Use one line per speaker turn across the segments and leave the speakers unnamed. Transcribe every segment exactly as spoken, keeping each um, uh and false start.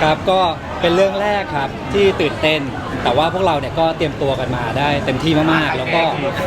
ครับก็เป็นเรื่องแรกครับที่ตื่นเต้นแต่ว่าพวกเราเนี่ยก็เตรียมตัวกันมาได้เต็มที่มากๆแล้วก็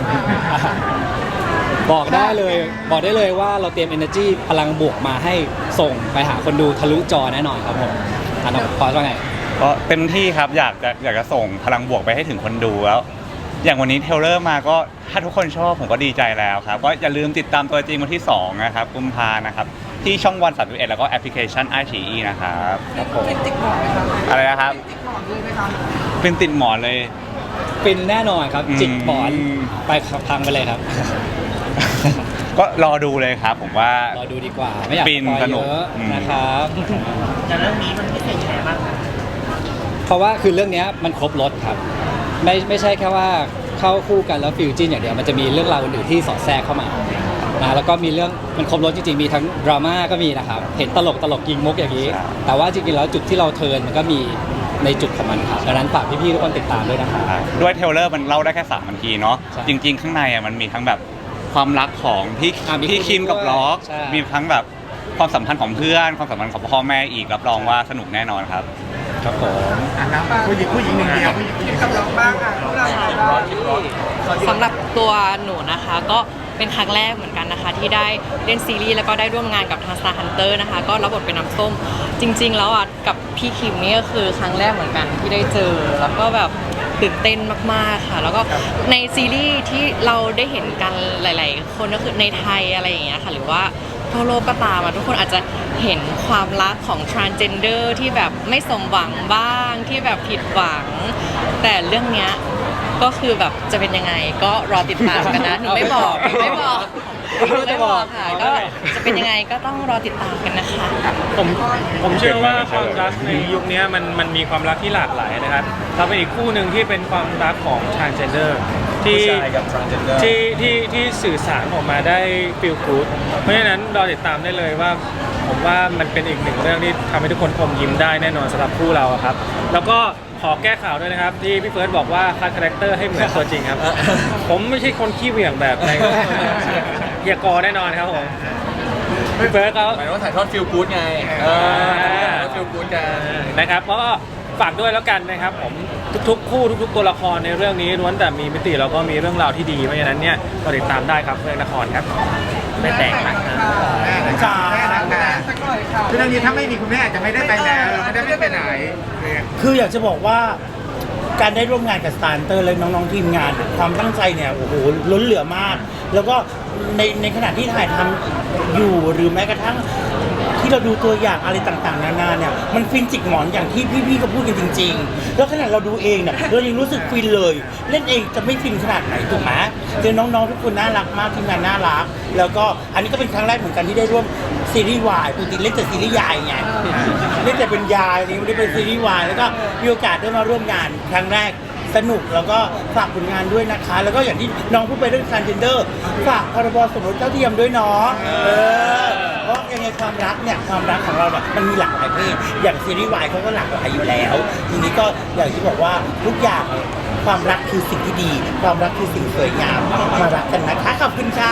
บอกได้เลยบอกได้เลยว่าเราเตรียม energy พลังบวกมาให้ส่งไปหาคนดูทะลุจอแน่นอนครับผมอ่ะน้องพอสว่าไง
ก็เต็มที่ครับอยากจะอยากจะส่งพลังบวกไปให้ถึงคนดูแล้วอย่างวันนี้เทรลเลอร์มาก็ถ้าทุกคนชอบผมก็ดีใจแล้วครับก็อย่าลืมติดตามตัวจริงวันที่สองนะครับกุมภานะครับที่ช่องวันสามสิบเอ็ดแล้วก็แอปพลิเคชัน ไอ ซี อี นะครับครับผม
เป็นติดหมอนไหมครับ
อะไรนะครับ
ติดหมอนเลยไหมครับ
เป็นติดหมอนเลย
ฟินแน่นอนครับจิกหมอนไปพังไปเลยครับ
ก็รอดูเลยครับผมว่าร
อดูดีกว่าไม่อยากสปอยเยอะนะครับ
แต่เรื่องนี้มันพิเศษยังไงบ้างครับ
เพราะว่าคือเรื่องนี้มันครบรสครับไม่ไม่ใช่แค่ว่าเข้าคู่กันแล้วฟิวจินอย่างเดียวมันจะมีเรื่องราวอื่นๆที่สอดแทรกเข้ามานะแล้วก็มีเรื่องมันครบรสจริงๆมีทั้งดราม่าก็มีนะครับเห็นตลกตลกยิงมุกอย่างนี้แต่ว่าจริงๆแล้วจุดที่เราเทิร์นมันก็มีในจุดของมันครับดังนั้นฝากพี่ๆทุกคนติดตามด้วยนะครับ
ด้วยเทรลเลอร์มันเล่าได้แค่สามนาทีเนาะจริงๆข้างในอ่ะมันมีทั้งแบบความรักของพี่พี่คิมกับล็อกมีทั้งแบบความสัมพันธ์ของเพื่อนความสัมพันธ์ของพ่อแม่อีกรับรองว่าสนุกแน่นอนครับ
ครับผม
อ่ะนะผู้หญิงผู้หญิงหนึ่งเดียวผู้หญิงกับล็อกบ้างค่ะพวกเรา
สำหรับตัวหนูนะคะก็เป็นครั้งแรกเหมือนกันนะคะที่ได้เล่นซีรีส์แล้วก็ได้ร่วมงานกับทาง Star Hunter นะคะก็รับบทเป็นน้ำส้มจริงๆแล้วอ่ะกับพี่คิมนี่ก็คือครั้งแรกเหมือนกันที่ได้เจอแล้วก็แบบตื่นเต้นมากๆค่ะแล้วก็ในซีรีส์ที่เราได้เห็นกันหลายๆคนก็คือในไทยอะไรอย่างเงี้ยค่ะหรือว่าทั่วโลกก็ตามทุกคนอาจจะเห็นความรักของ transgender ที่แบบไม่สมหวังบ้างที่แบบผิดหวังแต่เรื่องเนี้ยก็คือแบบจะเป็นยังไงก็รอติดตามกันนะหนูไม่บอกไม่บอกไม่บอกค่ะก็จะเป็นยังไงก็ต้องรอติดตามกันนะคะ
ผมผมเชื่อว่าความรักในยุคนี้มันมันมีความรักที่หลากหลายนะครับเราเป็นอีกคู่หนึ่งที่เป็นความรักของ transgender ที่ที่ที่ที่สื่อสารออกมาได้ feel good เพราะฉะนั้นรอติดตามได้เลยว่าผมว่ามันเป็นอีกหนึ่งเรื่องที่ทำให้ทุกคนอมยิ้มได้แน่นอนสำหรับคู่เราครับแล้วก็ขอแก้ข่าวด้วยนะครับที่พี่เฟิร์สบอกว่าคัดคาแรคเตอร์ให้เหมือนตัวจริงครับผมไม่ใช่คนขี้เหวี่ยงแบบในเฮียกอแน่นอนครับผมพี่เฟิร์สเขา
หมายว่าถ่ายทอดฟิลกู๊ดไงเออฟิลกู๊ดกัน
นะครับเพราะก็ฝากด้วยแล้วกันนะครับผมทุกๆคู่ทุกๆตัวละครในเรื่องนี้ล้วนแต่มีมิติแล้วก็มีเรื่องราวที่ดีเพราะฉะนั้นเนี่ยก็ติดตามได้ครับเรื่องละครครับไม่แตกนะ
แม่นะคะแม่นะคะคือเรื่องนี้ถ้าไม่มีคุณแม่อาจจะไม่ได้ไปแล้วไม่ได้ไปไหน
คืออยากจะบอกว่าการได้ร่วมงานกับ Star Hunter และน้องๆทีมงานความตั้งใจเนี่ยโอ้โหล้นเหลือมากแล้วก็ในในขณะที่ถ่ายทำอยู่หรือแม้กระทั่งที่เราดูตัวอย่างอะไรต่างๆนานาเนี่ยมันฟินจิกหมอนอย่างที่พี่ๆก็พูดกันจริงๆแล้วขนาดเราดูเองเนี่ยเรายังรู้สึกฟินเลยเล่นเองจะไม่ฟินขนาดไหนถูกไหมเจอน้องๆทุกคนน่ารักมากทีมงานน่ารักแล้วก็อันนี้ก็เป็นครั้งแรกเหมือนกันที่ได้ร่วมซีรีส์วายปกติเล่นแต่ซีรีส์ยายไงเล่นแต่เป็นยายนี่ไม่ได้เป็นซีรีส์วายแล้วก็มีโอกาสได้มาร่วมงานครั้งแรกสนุกแล้วก็ฝากผลงานด้วยนะคะแล้วก็อย่างที่น้องพูดไปเรื่อง transgender ฝากพรบสมรสเท่าเทียมด้วยเนาะเออเพราะยังไงความรักเนี่ยความรักของเราเนี่ยมันมีหลากหลายเพศอย่างซีรีส์วายเขาก็หลากหลายอยู่แล้วทีนี้ก็อย่างที่บอกว่าทุกอย่างความรักคือสิ่งที่ดีความรักคือสิ่งสวยงามมารักกันนะคะขอบคุณค่ะ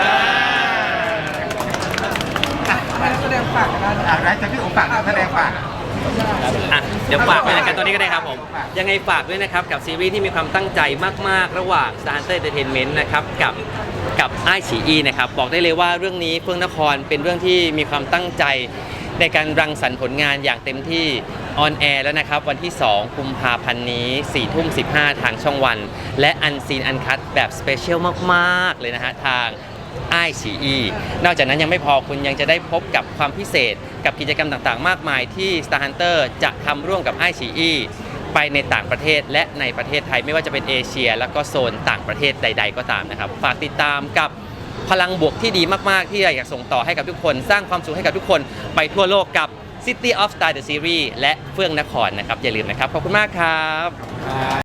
แสดงฝากกันอะไรจะพี่โอฝากแสดงฝาก
อ่ะเดี๋ยวฝากไปรายการตัวนี้ก็ได้ครับผมยังไงฝากด้วยนะครับกับซีรีส์ที่มีความตั้งใจมากๆระหว่าง Star Hunter Entertainment นะครับกับกับ ไอ ซี อี นะครับบอกได้เลยว่าเรื่องนี้เฟื่องนครเป็นเรื่องที่มีความตั้งใจในการรังสรรค์ผลงานอย่างเต็มที่ออนแอร์แล้วนะครับวันที่สองกุมภาพันธ์นี้สี่ทุ่มสิบห้าทางช่องวันและอันซีนอันคัทแบบสเปเชียลมากๆเลยนะฮะทาง ไอ ซี อี นอกจากนั้นยังไม่พอคุณยังจะได้พบกับความพิเศษกับกิจกรรมต่างๆมากมายที่ Star Hunter จะทำร่วมกับ ไอ ซี อี ไปในต่างประเทศและในประเทศไทยไม่ว่าจะเป็นเอเชียแล้วก็โซนต่างประเทศใดๆก็ตามนะครับฝากติดตามกับพลังบวกที่ดีมากๆที่อยากส่งต่อให้กับทุกคนสร้างความสุขให้กับทุกคนไปทั่วโลกกับ City of Star The Series และเฟื่องนครนะครับอย่าลืมนะครับขอบคุณมากครับ